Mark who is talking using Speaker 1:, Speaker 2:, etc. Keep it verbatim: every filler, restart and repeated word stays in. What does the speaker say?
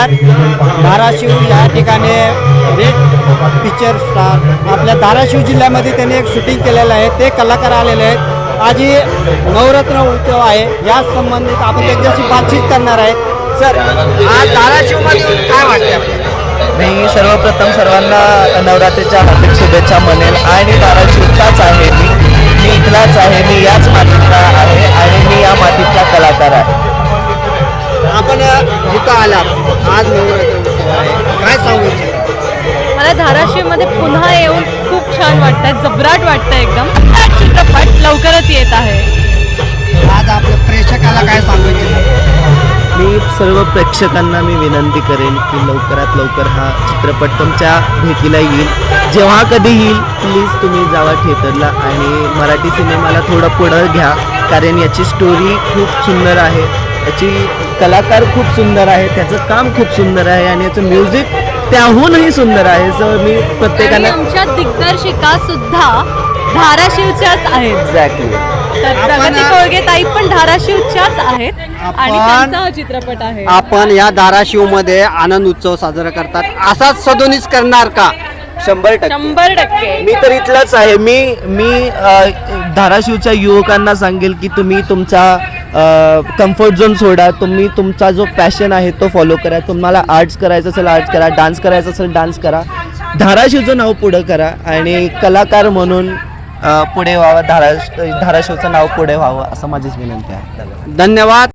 Speaker 1: धाराशिव या ठिकाणी red picture star आपल्या धाराशिव जिल्ह्यामध्ये त्यांनी एक शूटिंग केलेलं आहे. ते कलाकार आलेले आहेत. आज ही नवरात्र उत्सव आहे, या संबंधित आपण त्यांच्याशी बातचीत करणार आहे. सर, आज धाराशिवमध्ये काय वाटते आपल्याला?
Speaker 2: मी सर्वप्रथम सर्वांना नवरात्रीच्या हार्दिक शुभेच्छा म्हणेल. आणि धाराशिवचाच आहे मी मी इथलाच आहे, मी याच मातीतला आहे आणि मी या मातीतला कलाकार आहे.
Speaker 1: आपण इथं आला आज नवरात्र उत्सव आहे, काय सांगू इच्छिता?
Speaker 3: मला धाराशिवमध्ये पुन्हा येऊन खूप छान वाटतंय, जबराट वाटतंय एकदम. हा चित्रपट लवकरच येत आहे.
Speaker 1: आज आपल्या प्रेक्षकाला काय सांगू इच्छिता?
Speaker 2: मी सर्व प्रेक्षकांना मी विनंती करेन की लवकरात लवकर हा चित्रपट तुमच्या भेटीला येईल. जेव्हा कधी येईल प्लीज तुम्ही जावा थिएटरला आणि मराठी सिनेमाला थोडं पुढं घ्या, कारण याची स्टोरी खूप सुंदर आहे, याची कलाकार खूप सुंदर आहे, त्याचं काम खूप सुंदर आहे आणि याचं म्युझिक त्याहूनही सुंदर आहे. सो मी
Speaker 3: आणि
Speaker 2: प्रत्येकाला
Speaker 3: आमच्या दिग्दर्शिका सुद्धा धाराशिवच्याच आहेत.
Speaker 2: एक्झॅक्टली
Speaker 3: तर प्रगती कोळगे ताई पण धाराशिवच्याच आहेत आणि
Speaker 1: आपण-
Speaker 3: त्यांचा हा चित्रपट आहे.
Speaker 1: आपण या धाराशिवमध्ये आनंद उत्सव साजरा करतात, असाच सदोनीच करणार का?
Speaker 2: शंभर टक्के
Speaker 3: शंभर टक्के
Speaker 2: मी तर इथलाच आहे. मी मी अ, धाराशिवच्या युवकांना सांगेल की तुम्ही तुमचा कम्फर्ट झोन सोडा, तुम्ही तुमचा जो पॅशन आहे तो फॉलो करा. तुम्हाला आर्ट्स करायचं असेल आर्ट्स करा, डान्स करायचं असेल डान्स करा, धाराशिवचं नाव पुढं करा आणि कलाकार म्हणून अ, पुढे व्हावं, धारा धाराशिवचं नाव पुढे व्हावं असं माझीच विनंती आहे.
Speaker 1: धन्यवाद.